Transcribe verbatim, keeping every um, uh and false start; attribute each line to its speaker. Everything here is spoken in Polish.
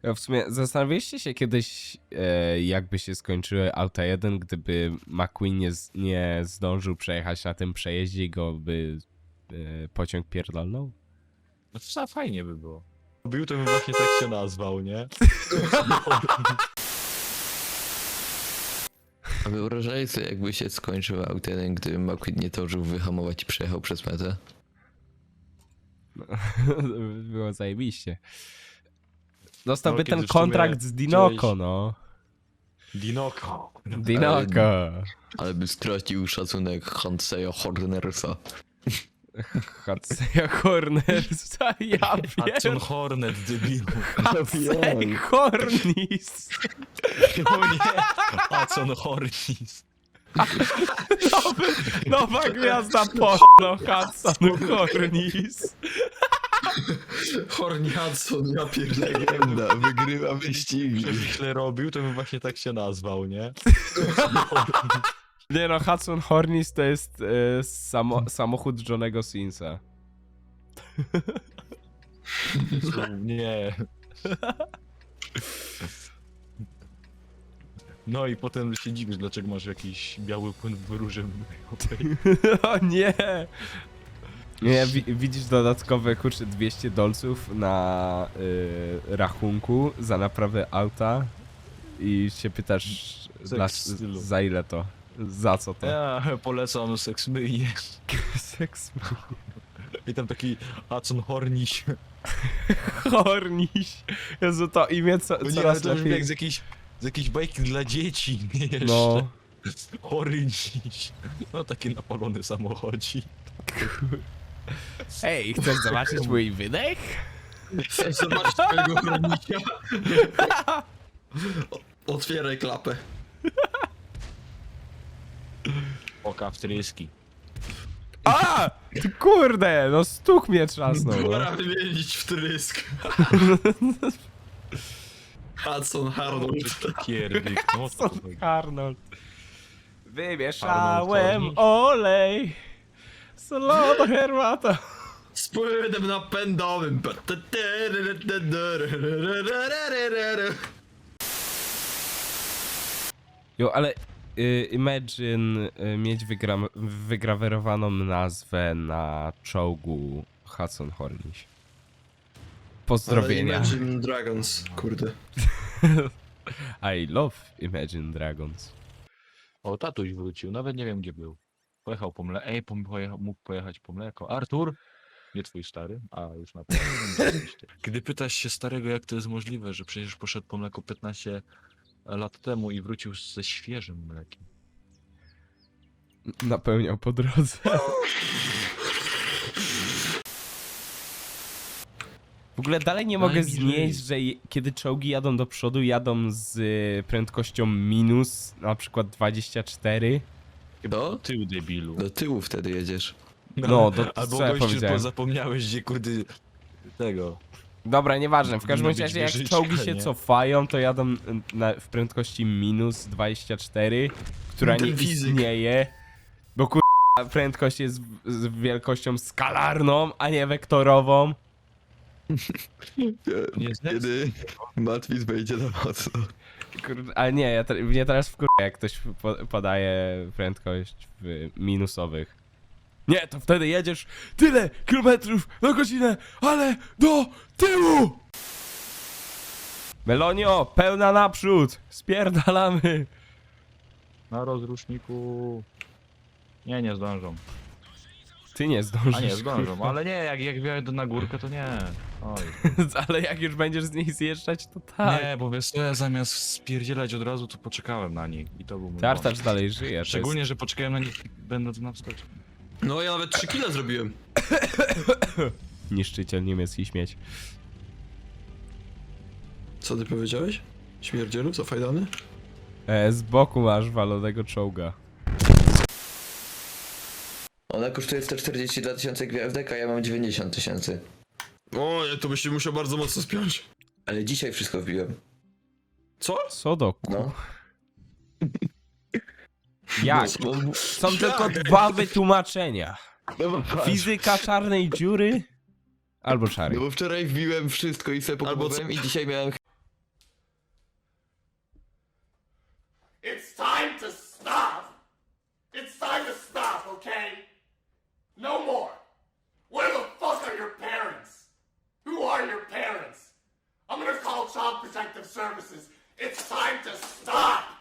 Speaker 1: W sumie zastanawialiście się kiedyś, e, jakby się skończyły auta jeden, gdyby McQueen nie, z, nie zdążył przejechać na tym przejeździe i go by e, pociąg pierdolnął?
Speaker 2: No to fajnie by było. Był to bym właśnie tak się nazwał, nie?
Speaker 3: A wyobrażaj sobie, jakby się skończył aut jeden, gdyby McQueen nie zdążył wyhamować i przejechał przez metę.
Speaker 1: No, było zajebiście. Dostałby
Speaker 2: No,
Speaker 1: ten
Speaker 2: kiedy w
Speaker 1: kontrakt
Speaker 2: sumie
Speaker 1: z Dinoco,
Speaker 2: chciałeś-
Speaker 1: no.
Speaker 2: Dinoko.
Speaker 1: Dinoco.
Speaker 3: Ale by stracił szacunek Hanseya Hornersa.
Speaker 1: Hudson Horners, ja
Speaker 2: Hudson
Speaker 1: wiem.
Speaker 2: Hornet, debilu.
Speaker 1: Hudson Hornis.
Speaker 2: O nie! Hudson Hornis.
Speaker 1: Nowy, nowa gwiazda porno, Hudson Hornis.
Speaker 4: Horny Hudson, ja pierdolę.
Speaker 3: Legenda, wygrywa wyścigi.
Speaker 2: Gdyby źle robił, to bym właśnie tak się nazwał, nie?
Speaker 1: Nie no, Hudson Hornis to jest e, samo, samochód Johnego Sinsa.
Speaker 2: Nie. No i potem się dziwisz, dlaczego masz jakiś biały płyn w róży mlecznej.
Speaker 1: O nie! Nie, wi widzisz dodatkowe, kurczę, dwieście dolców na y, rachunku za naprawę auta i się pytasz, dla,
Speaker 2: stylu.
Speaker 1: za ile to? Za co to?
Speaker 2: Ja polecam seks myjnie.
Speaker 1: Seks
Speaker 2: I tam taki Hudson Horniś.
Speaker 1: Horniś. Jezu, to imię co,
Speaker 2: No nie, ale
Speaker 1: coraz
Speaker 2: to brzmi
Speaker 1: lepiej.
Speaker 2: jak z jakiejś, z jakiejś bajki dla dzieci, nie jeszcze.
Speaker 1: No.
Speaker 2: Horniś. No taki napalony samochodzik.
Speaker 1: Ej, chcesz zobaczyć mój wydech?
Speaker 4: Chcesz zobaczyć twojego chronikia? O- Otwieraj klapę.
Speaker 2: Oka wtryski.
Speaker 1: A! Ty kurde, no stuk mnie trzasnął. No.
Speaker 4: Pora wymienić wtrysk. Hudson Arnold.
Speaker 2: Pierdyk. No to
Speaker 1: Arnold. Wymieszałem
Speaker 2: Arnold
Speaker 1: olej. Solo herbata.
Speaker 4: Z płynem napędowym.
Speaker 1: Jo, ale y, Imagine y, mieć wygra wygrawerowaną nazwę na czołgu Hudson Horniś. Pozdrowienia.
Speaker 4: Imagine Dragons, kurde.
Speaker 1: I love Imagine Dragons.
Speaker 2: O, tatuś wrócił, nawet nie wiem gdzie był. Pojechał po mleko. Ej, pojechał, mógł pojechać po mleko. Artur? Nie twój stary, a już na pewno. Gdy pytasz się starego, jak to jest możliwe, że przecież poszedł po mleko piętnaście lat temu i wrócił ze świeżym mlekiem.
Speaker 1: Napełniał po drodze. W ogóle dalej nie mogę
Speaker 2: Daj mi
Speaker 1: znieść,
Speaker 2: żyć.
Speaker 1: że je- kiedy czołgi jadą do przodu, jadą z y, prędkością minus, na przykład dwadzieścia cztery.
Speaker 3: Do?
Speaker 2: Tył debilu.
Speaker 3: Do tyłu wtedy jedziesz.
Speaker 1: No, do-
Speaker 2: Albo
Speaker 1: co ja
Speaker 2: gościu,
Speaker 1: powiedziałem?
Speaker 2: bo zapomniałeś, gdzie kurde tego.
Speaker 1: Dobra, nieważne, w każdym
Speaker 2: Powinno być
Speaker 1: razie jak
Speaker 2: wieżyczka,
Speaker 1: czołgi się
Speaker 2: nie?
Speaker 1: cofają, to jadą na, w prędkości minus dwadzieścia cztery, która
Speaker 4: Ten
Speaker 1: nie
Speaker 4: fizyk.
Speaker 1: istnieje, bo kur... prędkość jest w- z wielkością skalarną, a nie wektorową.
Speaker 2: Nie
Speaker 3: Kiedy Matwis wejdzie na mocno.
Speaker 1: Kurde, ale nie, ja te, mnie teraz wkur... jak ktoś po, podaje prędkość w minusowych. Nie, to wtedy jedziesz tyle kilometrów na godzinę, ale do tyłu! Melonio, pełna naprzód! Spierdalamy!
Speaker 2: Na rozruszniku. Nie, nie zdążą.
Speaker 1: Ty nie zdążysz.
Speaker 2: A nie, zdążą,
Speaker 1: kurwa.
Speaker 2: ale nie, jak, jak wjadę na górkę, to nie. Oj.
Speaker 1: Ale jak już będziesz z niej zjeżdżać, to tak.
Speaker 2: Nie, bo wiesz co, ja zamiast spierdzielać od razu, to poczekałem na nich i to był mój
Speaker 1: Tartacz
Speaker 2: błąd.
Speaker 1: dalej żyje. to
Speaker 2: Szczególnie, że poczekałem na nich będąc na wstecz.
Speaker 4: No ja nawet trzy kile zrobiłem.
Speaker 1: Jest niszczyciel niemiecki śmieć.
Speaker 4: Co ty powiedziałeś? Śmierdzielu, zafajdany?
Speaker 1: E, z boku masz walonego czołga.
Speaker 3: Ona kosztuje sto czterdzieści dwa tysiące gwiazdek, a ja mam dziewięćdziesiąt tysięcy.
Speaker 4: O, to byś się musiał bardzo mocno spiąć.
Speaker 3: Ale dzisiaj wszystko wbiłem.
Speaker 4: Co?
Speaker 1: Co do ku...
Speaker 3: No.
Speaker 1: Jak?
Speaker 3: No, bo-
Speaker 1: Są tylko dwa wytłumaczenia.
Speaker 3: no bo patrz.
Speaker 1: Fizyka czarnej dziury albo
Speaker 3: No
Speaker 1: szarej.
Speaker 3: bo wczoraj wbiłem wszystko i sobie
Speaker 4: Albo
Speaker 3: pokupowałem i dzisiaj miałem
Speaker 5: It's time to stop! It's time to stop, okay? No more! Where the fuck are your parents? Who are your parents? I'm gonna call Child Protective Services. It's time to stop!